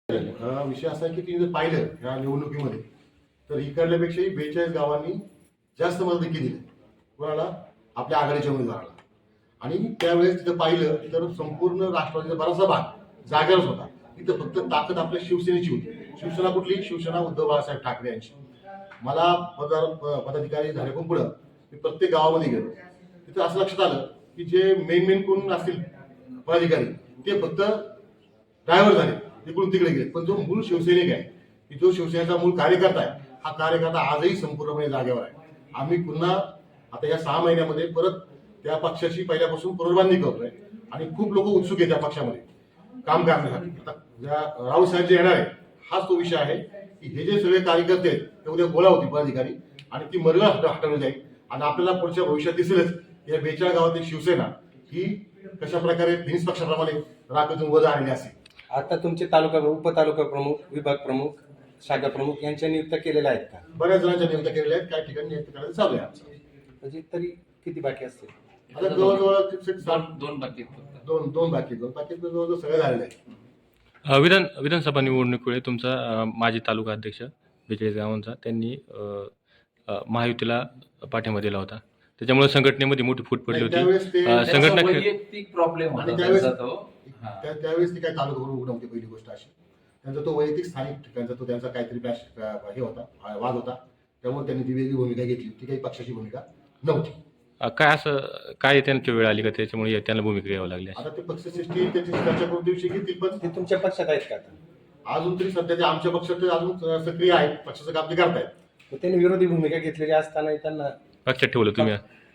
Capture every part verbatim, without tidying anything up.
अ, विषय असा आहे की तुम्ही जर पाहिलं या निवडणुकीमध्ये तर इकडल्यापेक्षाही बेचाळीस गावांनी जास्त मदत दिली कोणाला आपल्या आघाडीच्या उमेदवाराला. आणि त्यावेळेस तिथं पाहिलं तर संपूर्ण राष्ट्रवादीचा बराचसा भाग जागेवरच होता. तिथं फक्त ताकद आपल्या शिवसेनेची होती. शिवसेना कुठली? शिवसेना उद्धव बाळासाहेब ठाकरे यांची. मला पदार पदाधिकारी झाले पण पुढं मी प्रत्येक गावामध्ये गेलो. तिथं असं लक्षात आलं की जे मेन मेन कोण असतील पदाधिकारी ते फक्त ड्रायव्हर झाले, इकडून तिकडे गेले. पण जो मूळ शिवसैनिक आहे की जो शिवसेनेचा मूळ कार्यकर्ता आहे, हा कार्यकर्ता आजही संपूर्णपणे जागेवर आहे. आम्ही पुन्हा आता या सहा महिन्यामध्ये परत त्या पक्षाची पहिल्यापासून पुनर्बांधणी करतोय आणि खूप लोक उत्सुक आहेत त्या पक्षामध्ये काम करण्यासाठी. आता ज्या राऊत साहेब जे येणार आहे हाच तो विषय आहे की हे जे सगळे कार्यकर्ते आहेत ते उद्या गोळा होती पदाधिकारी आणि ती मर्यादा हटवली जाईल आणि आपल्याला पुढच्या भविष्यात दिसेलच या बेचाळ गावातील शिवसेना ही कशा प्रकारे फिनिस पक्षाप्रमाणे राखून वर आणली असेल. आता तुमचे तालुका उपतालुका प्रमुख, विभाग प्रमुख, शाखा प्रमुख यांच्या नियुक्त्या केलेल्या आहेत का? बऱ्याच जणांच्या नियुक्त्या केलेल्या आहेत, काही ठिकाणी नियुक्ती करायचं चालू आहे आमचं. म्हणजे तरी किती बाकी असतील? आता जवळजवळ दोन दोन बाकी दोन दोन बाकी दोन बाकी जवळजवळ सगळे झालेले आहे. अ, विधान विधानसभा निवडणुकीवेळी तुमचा अ, माजी तालुका अध्यक्ष बेचाळीस गावांचा त्यांनी अ, अ, महायुतीला पाठिंबा दिला होता. त्याच्यामुळे संघटनेमध्ये मोठी फूट पडली होती. त्यावेळेस ते अ, संघटना वैयक्तिक प्रॉब्लेम आणि होता त्यावेळेस त्यांचा तो. हा. त्या- त्यावेळेस ती काही तालुका करून उघड होती. पहिली गोष्ट अशी त्यांचा तो वैयक्तिक स्थानिक ठिकाणचा तो त्यांचा काहीतरी बॅश हे होता अ, वाद होता. त्यामुळे त्यांनी ती वेगळी भूमिका घेतली. ती काही पक्षाची भूमिका नव्हती. अ, काय असं काय त्यांची वेळ आली का त्याच्यामुळे त्यांना भूमिका घ्यावी लागली अशी? आता ते पक्षश्रेष्ठी त्यांची चर्चा करून दिवशी घेतील, पण ते तुमच्या पक्षात आहेत का आता? अजून तरी सध्या ते आमच्या पक्षात ते अजून सक्रिय आहेत, पक्षाचं काम ते करतायत. तर त्यांनी विरोधी भूमिका घेतलेली असताना त्यांना पक्षात ठेवलं तुम्ही?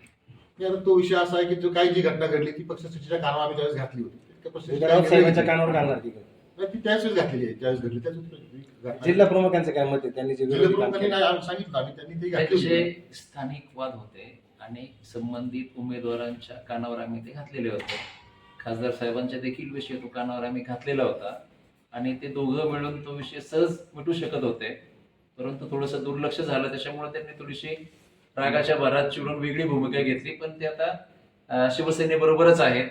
आणि आता तो विषय असा आहे की जो काही जी घटना घडली ती पक्षश्रेष्ठीच्या कानावर आम्ही त्यावेळेस घातली होती. त्या पक्षश्रेष्ठीच्या राऊत साहेबांच्या निर्णय कानावर घालणार ती का? नाही, ती त्याच वेळेस घातलेली आहे, ज्यावेळेस घडली त्याच वेळेस घटना- जिल्हा प्रमुखांचं काय मत आहे? त्यांनी जे जिल्हा विरोधी काम प्रमुखांनी केलं. नाही आम्ही सांगितलं आम्ही त्यांनी ते घातली त्यांचे होती. स्थानिक वाद होते आणि संबंधित उमेदवारांच्या कानावर आम्ही ते घातलेले होते. खासदार साहेबांच्या देखील विषय तो कानावर आम्ही घातलेला होता आणि ते दोघं मिळून तो विषय सहज मिटू शकत होते. परंतु थोडंसं दुर्लक्ष झालं, त्याच्यामुळे त्यांनी थोडीशी रागाच्या भरात चिडून वेगळी भूमिका घेतली. पण ते आता अं, शिवसेनेबरोबरच आहेत.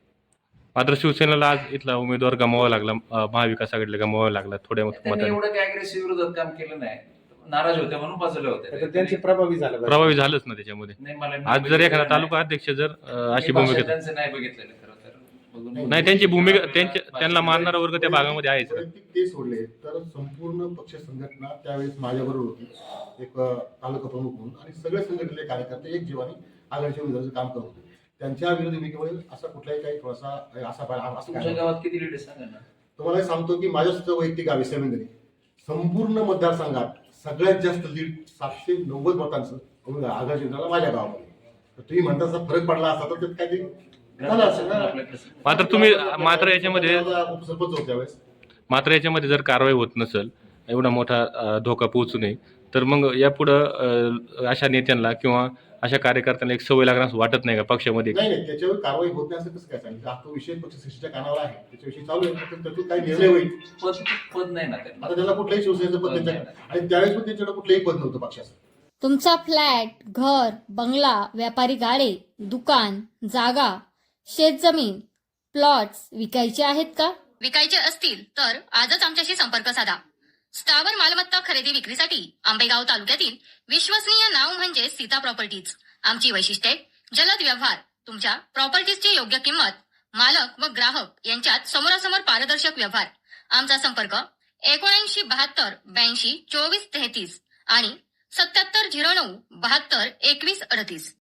मात्र शिवसेनेला आज इथला उमेदवार गमावा लागला, अ, महाविकास आघाडीला गमावा लागला थोड्या त्यांनी मताने. एवढं काही अग्रेसिव्ह विरोधात काम केलं नाही. नाराज होते म्हणून बाजूला तर होते. त्यांची प्रभावी झालं पाहिजे. प्रभावी झालंच ना त्याच्यामध्ये. नाही, मला नाही आज जर बघितलेलं एखादा नाही. तालुका अध्यक्ष जर अ, अशी मी भाषण भूमिका त्यांचं नाही बघितलेलं खरं तर. बघून- नाही, त्यांची भूमिका त्यांच्या त्यांना मानणारा वर्ग त्या भागामध्ये आहेच का? वैयक्तिक ते सोडले तर संपूर्ण पक्ष संघटना त्यावेळेस माझ्याबरोबर होती, एक अ, तालुका प्रमुख म्हणून, आणि सगळे संघटनेचे कार्यकर्ते एक जीवाने आघाडीच्या उमेदवाराचं काम करत होते. त्यांच्या विरोधी भूमिकेमुळे असा कुठलाही काही थोडासा असा असं तुमच्या काय गावात किती लीड सांगा ना. तुम्हाला एक सांगतो की माझ्या सुद्धा वैयक्तिक गावी सेवेंद्री संपूर्ण मतदारसंघात सगळ्यात जास्त लीड सातशे नव्वद मतांचं आघाडी उमेदवाराला माझ्या गावामध्ये. तर तुम्ही म्हणता तसा फरक पडला असता तर त्यात काहीतरी झालं असेल ना. मात्र तुम्ही मात्र याच्यामध्ये उपसरपंच होते त्यावेळेस. मात्र याच्यामध्ये जर कारवाई होत नसेल, एवढा मोठा अ, धोका पोहोचू नये, तर मग यापुढं अ, अशा नेत्यांना किंवा अशा कार्यकर्त्यांना एक सवय लागणार असं वाटत नाही का पक्षामध्ये? नाही नाही त्याच्यावर कारवाई होत नाही असं कसं काय सांगितलं? हा तो विषय पक्षश्रेष्ठीच्या कानावर आहे, त्याच्याविषयी चालू आहे. तर त्यातून काही निर्णय होईल. पद पद नाही ना त्यांना. आता त्याला कुठल्याही शिवसेनेचं पद त्यांच्या आणि त्यावेळेस पण त्यांच्याकडे कुठलंही पद नव्हतं पक्षाचं. तुमचा फ्लॅट, घर, बंगला, व्यापारी गाडे, दुकान, जागा, शेतजमीन, प्लॉट्स विकायचे आहेत का? विकायचे असतील तर आजच आमच्याशी संपर्क साधा. स्थावर मालमत्ता खरेदी विक्रीसाठी आंबेगाव तालुक्यातील विश्वसनीय नाव म्हणजे सीता प्रॉपर्टीज. आमची वैशिष्ट्ये: जलद व्यवहार, तुमच्या प्रॉपर्टीजची योग्य किंमत, मालक व ग्राहक यांच्यात समोरासमोर पारदर्शक व्यवहार. आमचा संपर्क एकोणऐंशी बहात्तर ब्याऐंशी चोवीस तेहतीस आणि सत्याहत्तर झिरो नऊ बहात्तर एकवीस अडतीस.